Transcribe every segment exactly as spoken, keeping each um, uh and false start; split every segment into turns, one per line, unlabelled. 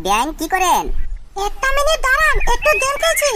ব্যাং কি করেন?
একটা মিনিট দাঁড়ান, একটু দেখেছি।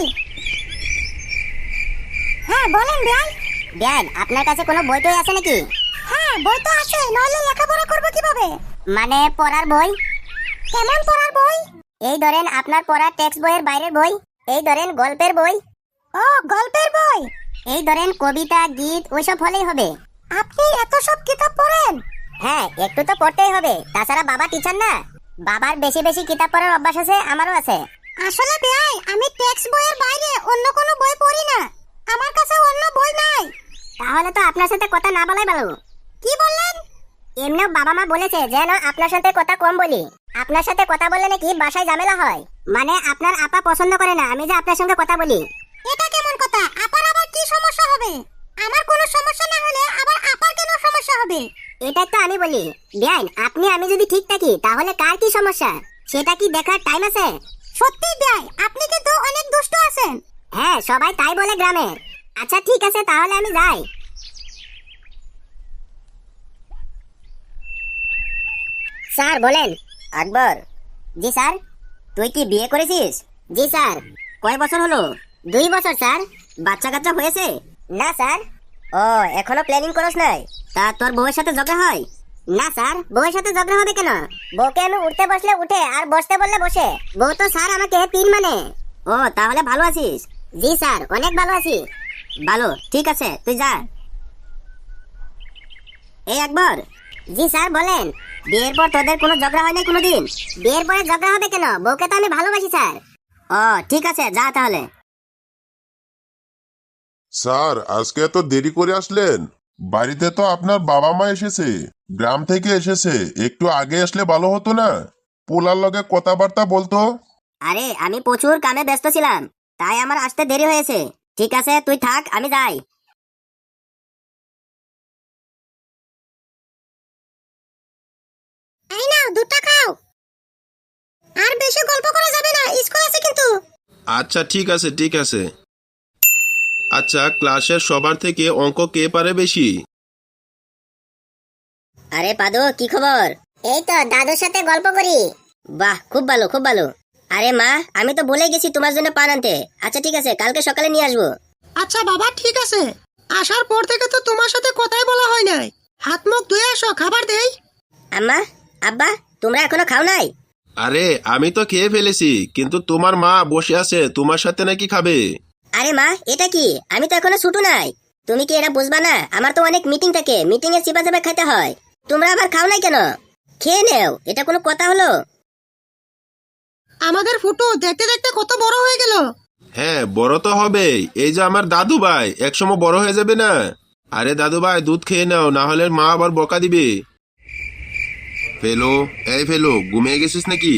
হ্যাঁ বলেন ব্যাং।
ব্যাং আপনার কাছে কোনো বই টই আছে নাকি?
হ্যাঁ বই তো আছে, নইলে লেখাপড়া করবো কিভাবে?
মানে পড়ার বই?
কেমন পড়ার বই?
এই ধরেন আপনার পড়া টেক্সট বইয়ের বাইরের বই। এই ধরেন গল্পের বই।
ও গল্পের বই।
এই ধরেন কবিতা গীত ওইসব হলেই হবে।
আপনি এত সব কিতাব পড়েন?
হ্যাঁ একটু তো পড়তেই হবে, তাছাড়া বাবা টিচার না। বাবার বেশি বেশি কিতাব পড়ার অভ্যাস আছে, আমারও আছে।
আসলে ভাই আমি টেক্সট বইয়ের বাইরে অন্য কোনো বই পড়ি না, আমার কাছে অন্য বই নাই।
তাহলে তো আপনার সাথে কথা না বলাই ভালো।
কি বললেন?
এমনিও বাবা মা বলেছে যেন আপনার সাথে কথা কম বলি। আপনার সাথে কথা বললে নাকি বাসায় ঝামেলা হয়। মানে আপনার আপা পছন্দ করে না আমি যে আপনার সঙ্গে কথা বলি।
এটা কেমন কথা? আপার আবার কি সমস্যা হবে? আমার কোনো সমস্যা না হলে আবার আপার কেন সমস্যা হবে?
এটাই তো আমি বলি। বেআইন আপনি আমি যদি ঠিক থাকি তাহলে কার কি সমস্যা সেটা কি দেখার টাইম আছে?
সত্যি ভাই আপনি কিন্তু অনেক দুষ্ট আছেন।
হ্যাঁ সবাই তাই বলে গ্রামে। আচ্ছা ঠিক আছে তাহলে আমি যাই। স্যার বলেন। আকবর। জি স্যার। তুই কি বিয়ে করেছিস? জি স্যার। কয় বছর হলো? দুই বছর স্যার। বাচ্চা কাচ্চা হয়েছে? না স্যার। ও এখনো প্ল্যানিং করছ নাই? তা তোর বউয়ের সাথে ঝগড়া হয়? না স্যার, বউয়ের সাথে ঝগড়া হবে কেন? বউকে আমি উঠতে বসলে উঠে আর বসতে বললে বসে। বউ তো স্যার আমাকে তিন মানে। ও তাহলে ভালো আছিস? জি স্যার অনেক ভালো আছি। ভালো, ঠিক আছে তুই যা। এই আকবর। জি স্যার বলেন। বিয়ের পর তোদের কোনো ঝগড়া হয় না কোনোদিন? বিয়ের পরে ঝগড়া হবে কেন? বউকে তো আমি ভালোবাসি স্যার। ও ঠিক আছে যা তাহলে।
স্যার আজকে এত দেরি করে আসলেন? বাড়িতে তো আপনার বাবা মা এসেছে, গ্রাম থেকে এসেছে, একটু আগে আসলে ভালো হতো না? পোলার লগে কথাবার্তা বলতো।
আরে আমি প্রচুর কামে ব্যস্ত ছিলাম, তাই আমার আসতে দেরি হয়েছে। ঠিক আছে তুই থাক, আমি যাই।
এই নাও দুধটা খাও। আর বেশি গল্প করা যাবে না, স্কুল আছে কিন্তু।
আচ্ছা ঠিক আছে ঠিক আছে। আচ্ছা ক্লাসের সবার থেকে অঙ্ক কে পারে বেশি?
আরে পাদু কি খবর? এই তো দাদুর সাথে গল্প করি। বাহ খুব ভালো খুব ভালো। আরে মা আমি তো ভুলে গেছি তোমার জন্য পান আনতে। আচ্ছা ঠিক আছে কালকে সকালে নিয়ে আসবো।
আচ্ছা বাবা ঠিক আছে, আসার পর থেকে তো তোমার সাথে কথাই বলা হয় নাই। হাত মুখ ধুয়ে আসো, খাবার দেই।
আম্মা আব্বা তোমরা এখনো খাও নাই?
আরে আমি তো খেয়ে ফেলেছি, কিন্তু তোমার মা বসে আছে তোমার সাথে নাকি খাবে।
আরে মা এটা কি, আমি তো এখনো ছুটু নাই। তুমি কি এটা বুঝবা না? আমার তো অনেক মিটিং থাকে, মিটিং এ চিপা চাপা খাইতে হয়। তোমরা আবার খাও নাই কেন? খেয়ে নেও, এটা কোনো কথা হলো?
আমাদের ফুটু দেখতে দেখতে কত বড় হয়ে গেল।
হ্যাঁ বড় তো হবেই, এই যে আমার দাদু ভাই একসময় বড় হয়ে যাবে না। আরে দাদু ভাই দুধ খেয়ে নাও, না হলে মা আবার বকা দিবে। ফেলো, এই ফেলো, ঘুমিয়ে গেছিস নাকি?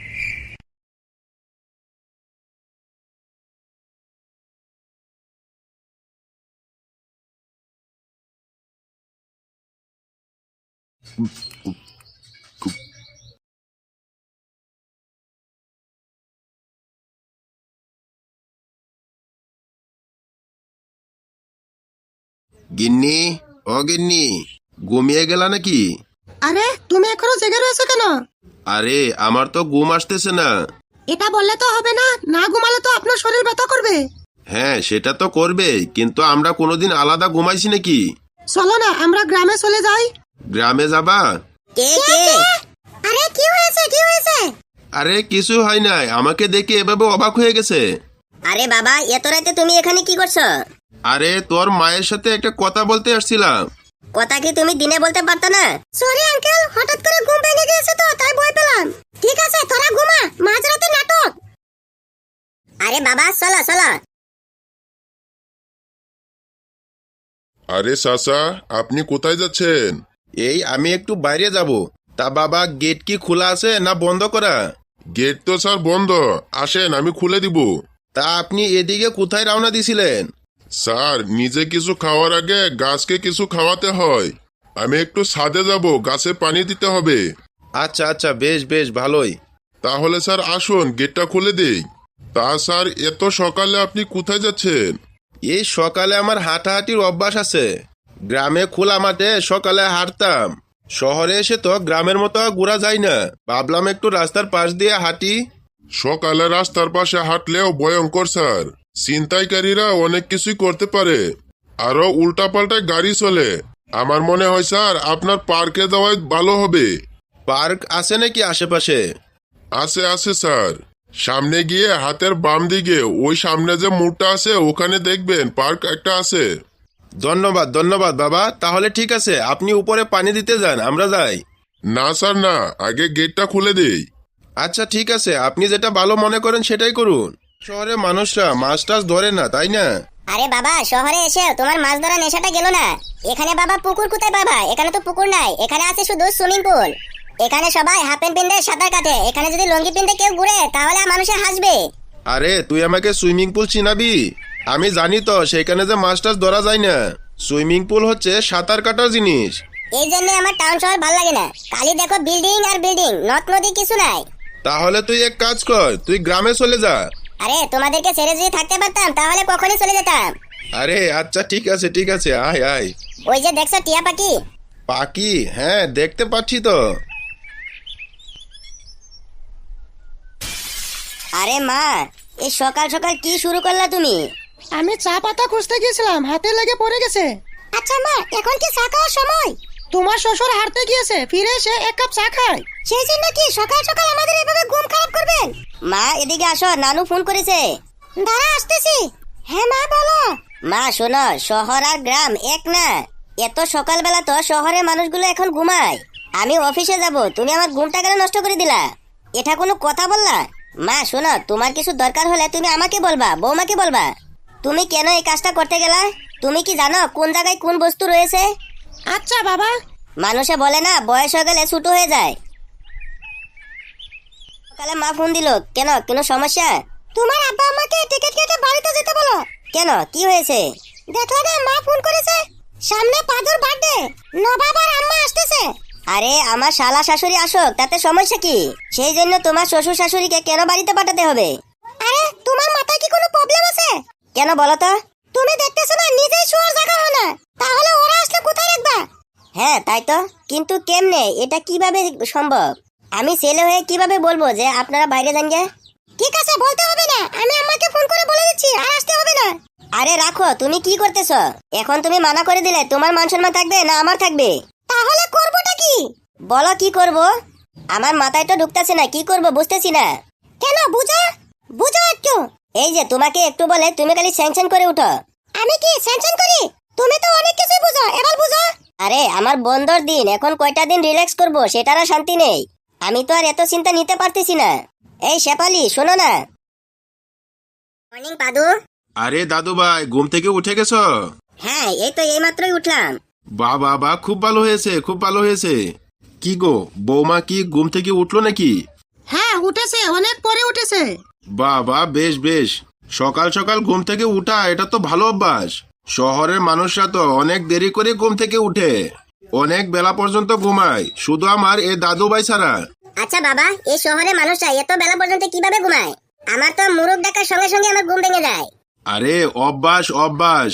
গিন্নি, ও গিন্নি, ঘুমিয়ে গেলা নাকি?
আরে তুমি এখনো জেগে রয়েছো কেন?
আরে আমার তো ঘুম আসতেছে না।
এটা বললে তো হবে না, না ঘুমালে তো আপনার শরীর ব্যথা করবে।
হ্যাঁ সেটা তো করবে, কিন্তু আমরা কোনোদিন আলাদা ঘুমাইছি নাকি?
চলো না আমরা গ্রামে চলে যাই।
গ্রামে যাবা?
কে কে?
আরে কি হয়েছে কি হয়েছে?
আরে কিছু হয় নাই, আমাকে দেখে এভাবে অবাক হয়ে গেছে।
আরে বাবা এত রাতে তুমি এখানে কি করছো?
আরে তোর মায়ের সাথে একটা কথা বলতে আসছিলাম।
কথা কি তুমি দিনে বলতে পারতো না?
সরি আঙ্কেল, হঠাৎ করে ঘুম ভেঙে গিয়েছে তো তাই ভয় পেলাম। ঠিক আছে তোরা ঘুমা, মাঝরাতে নাটক।
আরে বাবা চলো চলো।
আরে চাচা, আপনি কোথায় যাচ্ছেন?
এই আমি একটু বাইরে যাব। তা বাবা গেট কি খোলা আছে না বন্ধ করা?
গেট তো স্যার বন্ধ, আসেন আমি খুলে দিব।
তা আপনি এদিকে কোথায় রওনা দিছিলেন?
স্যার নিজে কিছু খাওয়ার আগে গাছকে কিছু খাওয়াতে হয়। আমি একটু ছাদে যাব, গাছে পানি দিতে হবে।
আচ্ছা আচ্ছা বেশ বেশ ভালোই।
তাহলে স্যার আসুন গেটটা খুলে দেই। তা স্যার এত সকালে আপনি কোথায় যাচ্ছেন?
এই সকালে আমার হাঁটাহাঁটির অভ্যাস আছে। গ্রামে খোলা মাঠে সকালে হাঁটতাম। শহরে এসে তো গ্রামের মতো আর ঘোরা যায় না, ভাবলাম একটু রাস্তার পাশ দিয়ে হাঁটি।
সকালে রাস্তার পাশে হাঁটলেও ভয়ঙ্কর স্যার। ছিনতাইকারীরা অনেক কিছুই করতে পারে, আরো উল্টাপাল্টা গাড়ি চলে। আমার মনে হয় স্যার আপনার পার্কে যাওয়াই ভালো হবে।
পার্ক আছে নাকি আশেপাশে?
আছে আছে স্যার, সামনে গিয়ে হাতের বাম দিকে ওই সামনে যে মোড়টা আছে ওখানে দেখবেন পার্ক একটা আছে।
ধন্যবাদ ধন্যবাদ বাবা, তাহলে ঠিক আছে, আপনি উপরে পানি দিতে যান, আমরা যাই।
না স্যার না, আগে গেটটা খুলে দেই।
আচ্ছা ঠিক আছে, আপনি যেটা ভালো মনে করেন সেটাই করুন। শহরে মানুষরা মাছ টাছ ধরে না, তাই না?
আরে বাবা, শহরে এসে তোমার মাছ ধরা নেশাটা গেল না? এখানে বাবা পুকুর কোথায় পাবা? এখানে তো পুকুর নাই, এখানে আছে শুধু সুইমিং পুল। এখানে সবাই হাফ প্যান্ট পিনতে সাঁতার কাটে, এখানে যদি লুঙ্গি পিনতে কেউ ঘুরে তাহলে মানুষে হাসবে।
আরে তুই আমাকে সুইমিং পুল চিনাবি? আমি জানি তো সেখানে যে মাছ টাছ ধরা যায় না। সুইমিং পুল হচ্ছে সাঁতার কাটার জিনিস।
এই জন্য আমার টাউন শহর ভালো লাগে না, খালি দেখো বিল্ডিং আর বিল্ডিং, নদ নদী কিছু নাই।
তাহলে তুই এক কাজ কর, তুই গ্রামে চলে যা।
আরে তোমাদেরকে ছেড়ে যদি থাকতে পারতাম তাহলে কখনই চলে যেতাম।
আরে আচ্ছা ঠিক আছে ঠিক আছে, আয় আয়।
ওই যে দেখছো টিয়া পাখি?
পাখি? হ্যাঁ দেখতে পাচ্ছি তো।
আরে মা, এই সকাল সকাল কি শুরু করলা তুমি?
আমি চা পাতা খুঁজতে গেছিলাম, হাতে লেগে পড়ে গেছে।
আচ্ছা মা, এখন কি চা খাওয়ার সময়?
তোমার শ্বশুর হাঁটতে গিয়েছে, ফিরে এসে এক কাপ চা খায়।
সেই জন্য কি সকাল সকাল আমাদের এভাবে ঘুম খারাপ করবেন?
মা এদিকে আসো, নানু ফোন করেছে।
দাঁড়া আসতেছি। হ্যাঁ মা বলো।
মা শোনো, শহর আর গ্রাম এক না। এত সকালবেলা তো শহরের মানুষগুলো এখন ঘুমায়। আমি অফিসে যাব, তুমি আমার ঘুমটা কেন নষ্ট করে দিলা? এটা কোনো কথা বললা? মা শোনো, তোমার কিছু দরকার হলে তুমি আমাকে বলবা, বৌমাকে বলবা। তুমি কেন এই কাজটা করতে গেলা? তুমি কি জানো কোন জায়গায় কোন বস্তু রয়েছে?
আচ্ছা বাবা।
মানুষে বলে না, বয়স হয়ে গেলে ছোট হয়ে যায়। সকালে মা ফোন দিল কেন? কোনো সমস্যা?
তোমার আব্বা আমাকে টিকিট কেটে বাড়িতে যেতে বলো।
কেন, কি হয়েছে?
দেখলে না, মা ফোন করেছে। সামনে পাদুর বার্থডে, নবাব আর আম্মা আসতেছে।
আরে আমার শালা শাশুড়ি আসুক, তাতে সমস্যা কি? সেই জন্য তোমার শ্বশুর শাশুড়িকে কেন বাড়িতে পাঠাতে হবে?
আরে তোমার মাথায় কি কোনো প্রবলেম আছে?
কেন বলো তো?
তুমি দেখতেছো না নিজেই শোয়ার জায়গা হয় না, তাহলে ওরা আসলে কোথায় রাখবা?
হ্যাঁ তাই তো, কিন্তু কেমনে, এটা কিভাবে সম্ভব? আমি ছেলে হয়ে কিভাবে বলবো যে আপনারা বাইরে যান গে?
ঠিক আছে, বলতে হবে না, আমি আম্মাকে ফোন করে বলে দিচ্ছি, আর আসতে হবে না।
আরে রাখো, তুমি কি করতেছ? এখন তুমি মানা করে দিলে তোমার মান সম্মান থাকবে না আমার থাকবে?
তাহলে করবোটা কি?
বলো কি করব? আমার মাথায় তো ঢুকতেছে না, কি করব বুঝতেছি না।
কেন, বুঝা বুঝা একটু।
এই যে তোমাকে একটু বলে তুমি খালি স্যাংশন করে উঠো।
আমি কি স্যাংশন করি? তুমি তো অনেক কিছুই বুঝো, এবার বুঝো।
আরে আমার বন্ধর দিন, এখন কয়টা দিন রিল্যাক্স করব সেটার আর শান্তি নেই। আমি তো আর এত চিন্তা নিতে পারতেছি না। এই শেফালি শোনো না। মর্নিং পাদু।
আরে দাদু ভাই, ঘুম থেকে উঠে গেছ?
হ্যাঁ এই তো এইমাত্রই উঠলাম।
বা বাবা, খুব ভালো হয়েছে খুব ভালো হয়েছে। কি গো, বৌমা কি ঘুম থেকে উঠলো নাকি?
হ্যাঁ উঠেছে, অনেক পরে উঠেছে।
বাবা বেশ বেশ, সকাল সকাল ঘুম থেকে উঠা এটা তো ভালো অভ্যাস। শহরের মানুষরা তো অনেক দেরি করে ঘুম থেকে উঠে, অনেক বেলা পর্যন্ত ঘুমায়, শুধু আমার এই দাদু ভাই ছাড়া।
আচ্ছা বাবা, এই শহরে মানুষরা এত বেলা পর্যন্ত কিভাবে ঘুমায়? আমার তো মুরগ ডাকার সঙ্গে সঙ্গে আমার ঘুম ভেঙে যায়।
আরে অভ্যাস অভ্যাস।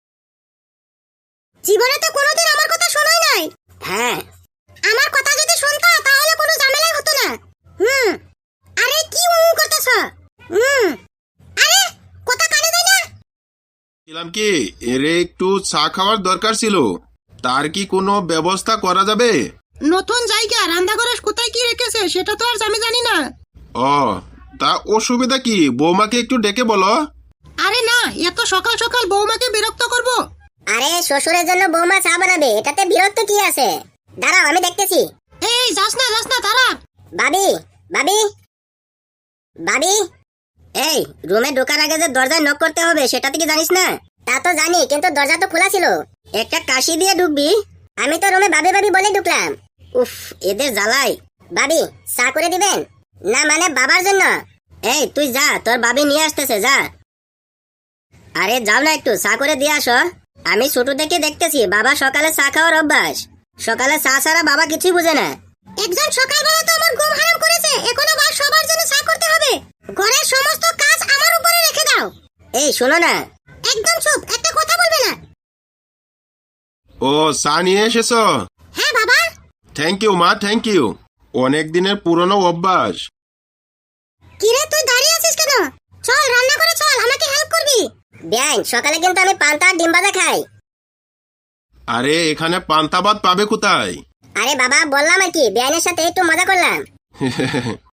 জীবনে তো কোনোদিন আমার কথা শোনাই নাই।
হ্যাঁ
আমার কথা যদি শুনতা তাহলে কোনো ঝামেলাই হতো না। হুম। আরে কি উ করতেছ? হুম। আরে কথা কানে যায় না?
ছিলাম কি, এরে একটু চা খাওয়ার দরকার ছিল, তার কি কোনো ব্যবস্থা করা যাবে?
নতুন জায়গা, রান্নাঘরে কোথায় কি রেখেছে সেটা তো আর আমি জানি না।
ও, তা অসুবিধা কি? বৌমাকে একটু ডেকে বলো।
আরে না, এত সকাল সকাল বৌমাকে বিরক্ত করব?
আরে শ্বশুরের জন্য বৌমা চা বানাবে, এটাতে বিরক্ত কি আছে? দাঁড়াও আমি দেখতেছি।
এই যাস না যাস না, তারা।
ভাবি ভাবি ভাবি, এই রুমে ঢোকার আগে যে দরজায় নক করতে হবে সেটা তুই কি জানিস না? তা তো জানি, কিন্তু দরজা তো খোলা ছিল। একটা কাশি দিয়ে ঢুকবি। আমি তো রুমে ভাবি ভাবি বলে ঢুকলাম। উফ, এদের জ্বালাই। ভাবি চা করে দিবেন? না মানে বাবার জন্য। এই তুই যা, তোর ভাবি নিয়ে আসতেছে, যা। আরে যাও না, একটু চা করে দিয়ে আসো। আমি ছোট থেকে দেখতেছি বাবা সকালে চা খাওয়ার অভ্যাস। সকালে চা ছাড়া বাবা কিছুই বুঝে না।
একজন সকালবেলা তো আমার ঘুম হারাম করেছে, এখন আবার সবার জন্য চা করতে হবে। ঘরের সমস্ত কাজ আমার উপরে রেখে দাও।
এই শোনো না।
একদম চুপ, একটা কথা বলবে না।
ও, চা নিয়ে এসেছো?
হ্যাঁ বাবা।
থ্যাংক ইউ মা, থ্যাংক ইউ। অনেক দিনের পুরনো অভ্যাস।
কিরে তুই দাঁড়িয়ে আছিস কেন? চল রান্না করে চল, আমাকে হেল্প করবি।
ব্যাং, সকালে কিন্তু আমি পান্তা আর ডিম ভাজা খাই।
আরে এখানে পান্তা ভাত পাবে কোথায়?
আরে বাবা, বললাম আর কি, ব্যাঙের সাথে একটু মজা করলাম।